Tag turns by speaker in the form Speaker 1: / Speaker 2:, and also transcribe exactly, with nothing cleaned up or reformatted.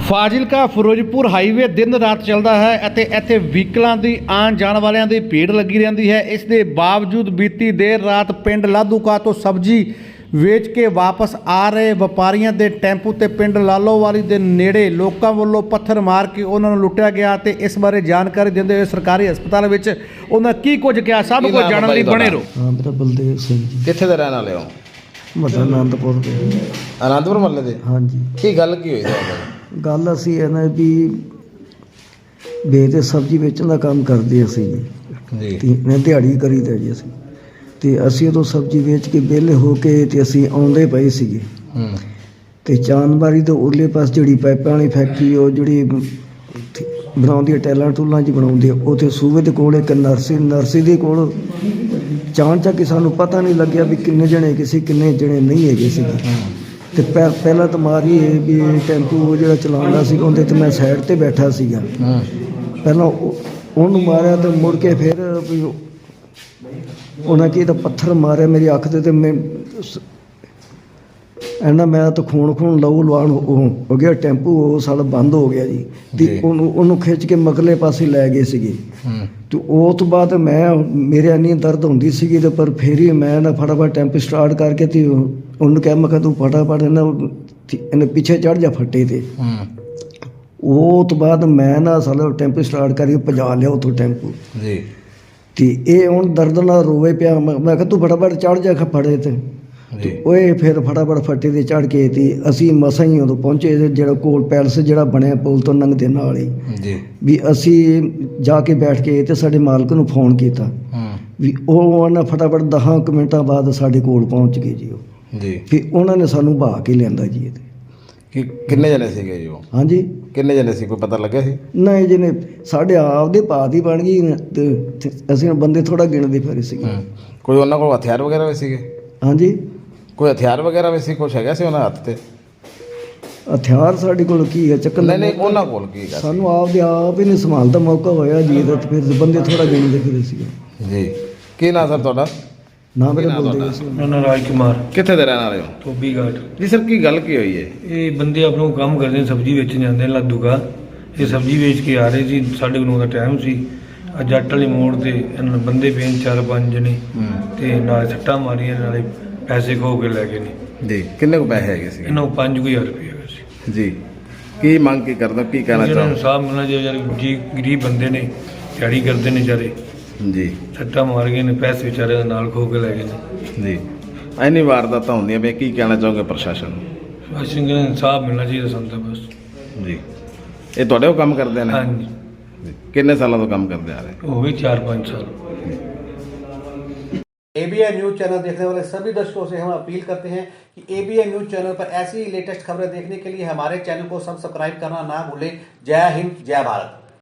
Speaker 1: Fazilka Firozpur highway ਦਿਨ ਰਾਤ ਚੱਲਦਾ ਹੈ ਅਤੇ ਇੱਥੇ ਵਹੀਕਲਾਂ ਦੀ ਆਉਣ ਜਾਣ ਵਾਲਿਆਂ ਦੀ ਭੀੜ ਲੱਗੀ ਰਹਿੰਦੀ ਹੈ। ਇਸ ਦੇ ਬਾਵਜੂਦ ਬੀਤੀ ਦੇਰ ਰਾਤ ਪਿੰਡ ਲਾਧੂਕਾ ਤੋਂ ਸਬਜ਼ੀ ਵੇਚ ਕੇ ਵਾਪਸ ਆ ਰਹੇ ਵਪਾਰੀਆਂ ਦੇ ਟੈਂਪੂ ਤੇ ਪਿੰਡ ਲਾਲੋਵਾਲੀ ਦੇ ਨੇੜੇ ਲੋਕਾਂ ਵੱਲੋਂ ਪੱਥਰ ਮਾਰ ਕੇ ਉਹਨਾਂ ਨੂੰ ਲੁੱਟਿਆ ਗਿਆ ਤੇ ਇਸ ਬਾਰੇ ਜਾਣਕਾਰੀ ਦਿੰਦੇ ਹੋਏ ਸਰਕਾਰੀ ਹਸਪਤਾਲ ਵਿੱਚ ਉਹਨਾਂ ਕੀ ਕੁਝ ਕਿਹਾ ਸਭ ਕੁਝ ਜਾਣਨ ਲਈ ਬਣੇ ਰਹੋ।
Speaker 2: ਹਾਂ ਮੇਰਾ ਬਲਦੇਵ ਸਿੰਘ ਜੀ।
Speaker 3: ਕਿੱਥੇ ਦੇ ਰਹਿਣ ਵਾਲੇ ਹੋ?
Speaker 2: ਮੱਦਾ ਆਨੰਦਪੁਰ ਦੇ।
Speaker 3: ਆਨੰਦਪੁਰ ਮਹੱਲੇ ਦੇ?
Speaker 2: ਹਾਂਜੀ।
Speaker 3: ਕੀ ਗੱਲ ਕੀ ਹੋਈ ਤੁਹਾਡੇ?
Speaker 2: ਗੱਲ ਅਸੀਂ ਇਹ ਨਾ ਵੀ ਵੇਚ ਸਬਜ਼ੀ ਵੇਚਣ ਦਾ ਕੰਮ ਕਰਦੇ ਅਸੀਂ ਜੀ।
Speaker 3: ਜੀ
Speaker 2: ਮੈਂ ਦਿਹਾੜੀ ਕਰੀਦਾ ਜੀ ਅਸੀਂ ਤੇ ਅਸੀਂ ਉਦੋਂ ਸਬਜ਼ੀ ਵੇਚ ਕੇ ਵਿਹਲੇ ਹੋ ਕੇ ਤੇ ਅਸੀਂ ਆਉਂਦੇ ਪਏ ਸੀਗੇ
Speaker 3: ਹੂੰ
Speaker 2: ਤੇ ਚਾਂਦਬਾਰੀ ਤੋਂ ਉਰਲੇ ਪਾਸ ਜਿਹੜੀ ਪਾਈਪਾਂ ਵਾਲੀ ਫੈਕਟਰੀ ਉਹ ਜਿਹੜੀ ਬਣਾਉਂਦੀ ਹੈ ਟੈਲਾਂ ਟੂਲਾਂ 'ਚ ਬਣਾਉਂਦੀ ਹੈ ਉੱਥੇ ਸੂਬੇ ਦੇ ਕੋਲ ਇੱਕ ਨਰਸੀ ਨਰਸੀ ਦੇ ਕੋਲ ਚਾਣ ਚੱਕ ਕੇ ਸਾਨੂੰ ਪਤਾ ਨਹੀਂ ਲੱਗਿਆ ਵੀ ਕਿੰਨੇ ਜਣੇ ਕਿਸੇ ਕਿੰਨੇ ਜਣੇ ਨਹੀਂ ਹੈਗੇ ਸੀਗੇ ਤੇ ਪਹਿ ਪਹਿਲਾਂ ਤਾਂ ਮਾਰੀ ਇਹ ਵੀ ਟੈਂਪੂ ਜਿਹੜਾ ਚਲਾਉਂਦਾ ਸੀ ਉਹਦੇ ਤੇ ਮੈਂ ਸਾਈਡ ਤੇ ਬੈਠਾ ਸੀਗਾ। ਪਹਿਲਾਂ ਉਹਨੂੰ ਮਾਰਿਆ ਤੇ ਮੁੜ ਕੇ ਫਿਰ ਵੀ ਉਹਨਾਂ ਕੀ ਤਾਂ ਪੱਥਰ ਮਾਰਿਆ ਮੇਰੀ ਅੱਖ ਤੇ ਤੇ ਮੈਂ ਐਨਾ ਮੈਂ ਤਾਂ ਖੂਨ ਖੂਨ ਲਹੂ ਲਵਾਣ ਹੋ ਗਿਆ। ਟੈਂਪੂ ਉਹ ਸਾਲ ਬੰਦ ਹੋ ਗਿਆ ਜੀ ਤੇ ਉਹਨੂੰ ਉਹਨੂੰ ਖਿੱਚ ਕੇ ਮਗਲੇ ਪਾਸੇ ਲੈ ਗਏ ਸੀਗੇ ਤੇ ਉਹ ਤੋਂ ਬਾਅਦ ਮੈਂ ਮੇਰੇ ਇੰਨੀ ਦਰਦ ਹੁੰਦੀ ਸੀਗੀ ਤੇ ਪਰ ਫਿਰ ਹੀ ਮੈਂ ਨਾ ਫਟਾਫਟ ਟੈਂਪੂ ਸਟਾਰਟ ਕਰਕੇ ਤੇ ਉਹਨੂੰ ਕਿਹਾ ਮੈਂ ਕਿਹਾ ਤੂੰ ਫਟਾਫਟ ਇਹਨਾਂ ਇਹਨੇ ਪਿੱਛੇ ਚੜ੍ਹ ਜਾ ਫੱਟੇ ਤੇ। ਉਹ ਤੋਂ ਬਾਅਦ ਮੈਂ ਨਾ ਸਾਲਾ ਟੈਂਪੂ ਸਟਾਰਟ ਕਰਕੇ ਭਜਾ ਲਿਆ ਉੱਥੋਂ ਟੈਂਪੂ ਜੀ ਤੇ ਇਹ ਹੁਣ ਦਰਦ ਨਾਲ ਰੋਵੇ ਪਿਆ। ਮੈਂ ਕਿਹਾ ਤੂੰ ਫਟਾਫਟ ਚੜ੍ਹ ਜਾ ਫੜੇ ਤੇ ਓਏ ਫਿਰ ਫਟਾਫਟ ਫੱਟੇ ਤੇ ਚੜ੍ਹ ਕੇ ਤੇ ਅਸੀਂ ਮਸਾਂ ਹੀ ਉਦੋਂ ਪਹੁੰਚੇ ਜਿਹੜਾ ਕੋਲ ਪੈਲਸ ਜਿਹੜਾ ਬਣਿਆ ਪੁਲ ਤੋਂ ਲੰਘਦੇ ਨਾਲ ਹੀ ਜੀ ਵੀ ਅਸੀਂ ਜਾ ਕੇ ਬੈਠ ਕੇ ਤੇ ਸਾਡੇ ਮਾਲਕ ਨੂੰ ਫੋਨ ਕੀਤਾ ਵੀ ਉਹ ਉਹਨਾਂ ਫਟਾਫਟ ਦਸਾਂ ਕੁ ਮਿੰਟਾਂ ਬਾਅਦ ਸਾਡੇ ਕੋਲ ਪਹੁੰਚ ਗਏ ਜੀ ਉਹ ਜੀ ਫਿਰ ਉਹਨਾਂ ਨੇ ਸਾਨੂੰ ਬਹਾ ਕੇ ਲਿਆਂਦਾ ਜੀ। ਇਹਦੇ
Speaker 3: ਕਿ ਕਿੰਨੇ ਜਣੇ ਸੀਗੇ ਜੀ ਉਹ?
Speaker 2: ਹਾਂਜੀ
Speaker 3: ਕਿੰਨੇ ਜਣੇ ਸੀ ਕੋਈ ਪਤਾ ਲੱਗਿਆ ਸੀ?
Speaker 2: ਨਹੀਂ ਜਿਹਨੇ ਸਾਡੇ ਆਪ ਦੇ ਭਾਅ ਹੀ ਬਣ ਗਈ ਤੇ ਅਸੀਂ ਬੰਦੇ ਥੋੜਾ ਗਿਣਦੇ ਫਿਰ ਸੀਗੇ।
Speaker 3: ਕੋਈ ਉਹਨਾਂ ਕੋਲ ਹਥਿਆਰ ਵਗੈਰਾ ਵੀ ਸੀਗੇ?
Speaker 2: ਹਾਂਜੀ
Speaker 3: ਕੋਈ ਹਥਿਆਰ ਵਗੈਰਾ ਵੀ ਸੀ? ਕੁਛ ਹੈਗਾ ਸੀ ਉਹਨਾਂ ਹੱਥ ਤੇ
Speaker 2: ਹਥਿਆਰ? ਸਾਡੇ ਕੋਲ ਕੀ ਹੈ ਚੱਕਰ?
Speaker 3: ਨਹੀਂ ਨਹੀਂ ਉਹਨਾਂ ਕੋਲ ਕੀ ਹੈ?
Speaker 2: ਸਾਨੂੰ ਆਪ ਦੇ ਆਪ ਹੀ ਨਹੀਂ ਸੰਭਾਲ ਦਾ ਮੌਕਾ ਹੋਇਆ ਜੀ ਇਹਦਾ ਤੇ ਫਿਰ ਬੰਦੇ ਥੋੜਾ ਗਿਣਦੇ ਫਿਰ ਸੀਗੇ
Speaker 3: ਜੀ। ਕੀ ਨਾਂ ਸਰ ਤੁਹਾਡਾ?
Speaker 2: ਨਾਮ ਮੇਰਾ ਬਲਦੇਵ ਸਿੰਘ।
Speaker 4: ਮੇਰਾ ਨਾਮ ਰਾਜ ਕੁਮਾਰ।
Speaker 3: ਕਿੱਥੇ ਦੇ ਰਹਿਣ ਵਾਲੇ ਹੋ?
Speaker 4: ਧੋਬੀ ਘਾਟ
Speaker 3: ਜੀ ਸਰ ਕੀ ਗੱਲ ਕੀ ਹੋਈ ਹੈ?
Speaker 4: ਇਹ ਬੰਦੇ ਆਪਣਾ ਕੰਮ ਕਰਦੇ ਨੇ, ਸਬਜ਼ੀ ਵੇਚਣ ਜਾਂਦੇ ਨੇ ਲਾਧੂਕਾ। ਇਹ ਸਬਜ਼ੀ ਵੇਚ ਕੇ ਆ ਰਹੇ ਸੀ, ਸਾਢੇ ਨੌ ਦਾ ਟਾਈਮ ਸੀ। ਆ ਜੱਟ ਵਾਲੇ ਮੋੜ ਤੇ ਇਹਨਾਂ ਬੰਦੇ ਪਏ ਚਾਰ ਪੰਜ ਜਣੇ ਤੇ ਨਾਲ ਸੱਟਾਂ ਮਾਰੀਆਂ, ਨਾਲੇ ਪੈਸੇ ਖੋ ਕੇ ਲੈ ਗਏ ਨੇ ਜੀ।
Speaker 3: ਕਿੰਨੇ ਕੁ ਪੈਸੇ ਹੈਗੇ ਸੀ
Speaker 4: ਇਹਨਾਂ ਨੂੰ ਪੰਜ ਕੁ ਹਜ਼ਾਰ ਰੁਪਏ ਹੈਗਾ ਸੀ ਜੀ।
Speaker 3: ਕੀ ਮੰਗ ਕੀ ਕਰਦਾ, ਕੀ ਕਹਿਣਾ ਚਾਹੁੰਦਾ?
Speaker 4: ਇਨਸਾਫ ਮਿਲਣਾ ਚਾਹੀਦਾ ਜੀ। ਗਰੀਬ ਬੰਦੇ ਨੇ, ਦਿਹਾੜੀ ਕਰਦੇ ਨੇ ਵਿਚਾਰੇ ਜੀ, ਸੱਟਾਂ ਮਾਰ ਗਏ ਨੇ, ਪੈਸੇ ਵਿਚਾਰੇ ਦੇ ਨਾਲ ਖੋ ਕੇ ਲੈ ਗਏ ਨੇ ਜੀ।
Speaker 3: ਐਨੀ ਵਾਰਦਾਤਾਂ ਹੁੰਦੀਆਂ ਵੀ ਕੀ ਕਹਿਣਾ ਚਾਹੋਗੇ ਪ੍ਰਸ਼ਾਸਨ ਨੂੰ?
Speaker 4: ਅਸੀਂ ਕਹਿੰਦੇ ਇਨਸਾਫ ਮਿਲਣਾ ਚਾਹੀਦਾ ਸਾਨੂੰ ਤਾਂ ਬਸ
Speaker 3: ਜੀ। ਇਹ ਤੁਹਾਡੇ ਉਹ ਕੰਮ ਕਰਦੇ ਨੇ?
Speaker 4: ਹਾਂਜੀ।
Speaker 3: ਕਿੰਨੇ ਸਾਲਾਂ ਤੋਂ ਕੰਮ ਕਰਦੇ ਆ ਰਹੇ?
Speaker 4: हो गए चार पाँच साल।
Speaker 1: एबीएन न्यूज चैनल देखने वाले सभी दर्शकों से हम अपील करते हैं कि एबीएन न्यूज चैनल पर ऐसी लेटेस्ट खबरें देखने के लिए हमारे चैनल को सब्सक्राइब करना ना भूलें। जय हिंद, जय भारत।